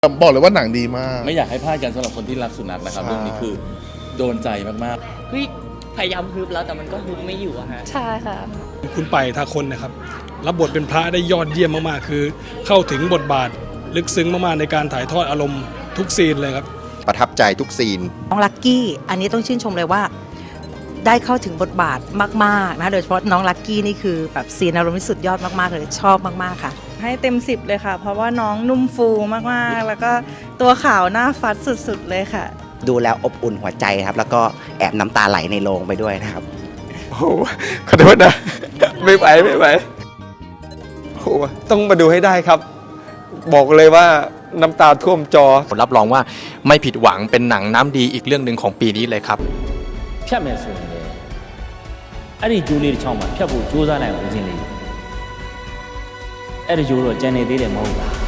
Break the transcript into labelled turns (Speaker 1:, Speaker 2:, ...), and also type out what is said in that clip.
Speaker 1: บอกเลยว่าหนังดีมาก
Speaker 2: ไม่อยากให้พลาดกันสำหรับคนที่รักสุนัขนะครับเรื่องนี้คือโดนใจมากๆ
Speaker 3: เฮ้ยพยายามฮึบแล้วแต่มันก็ฮึบไม่อยู่อะฮะ
Speaker 4: ใช่ค่ะ
Speaker 5: คุณไปทาคนนะครับรับบทเป็นพระได้ยอดเยี่ยมมากๆคือเข้าถึงบทบาทลึกซึ้งมากๆในการถ่ายทอดอารมณ์ทุกซีนเลยครับ
Speaker 6: ประทับใจทุกซีน
Speaker 7: น้องลักกี้อันนี้ต้องชื่นชมเลยว่าได้เข้าถึงบทบาทมากๆนะโดยเฉพาะน้องลักกี้นี่คือแบบซีนอารมณ์ที่สุดยอดมากๆเลยชอบมากๆค่ะ
Speaker 4: ให้เต็ม10เลยค่ะเพราะว่าน้องนุ่มฟูมากๆแล้วก็ตัวขาวหน้าฟัดสุดๆเลยค่ะ
Speaker 8: ดูแล้วอบอุ่นหัวใจครับแล้วก็แอบน้ำตาไหลในโรงไปด้วยนะครับ
Speaker 9: โอ้โหขอโทษนะไม่ไหวโอ้โหต้องมาดูให้ได้ครับบอกเลยว่าน้ำตาท่วมจอ
Speaker 10: ผมรับรองว่าไม่ผิดหวังเป็นหนังน้ำดีอีกเรื่องหนึ่งของปีนี้เลยครับ
Speaker 11: ဖြတ်မယ်ဆိုရင်လည်းအဲ့ဒီဂျိုးလေးတစ်ချောင်းမှာဖြတ်ဖို့ကြိုးစားနိုင်ဦးစင်းလေးအဲ့ဒီဂျိုးတော့ကြံနေသေးတယ်မဟုတ်လား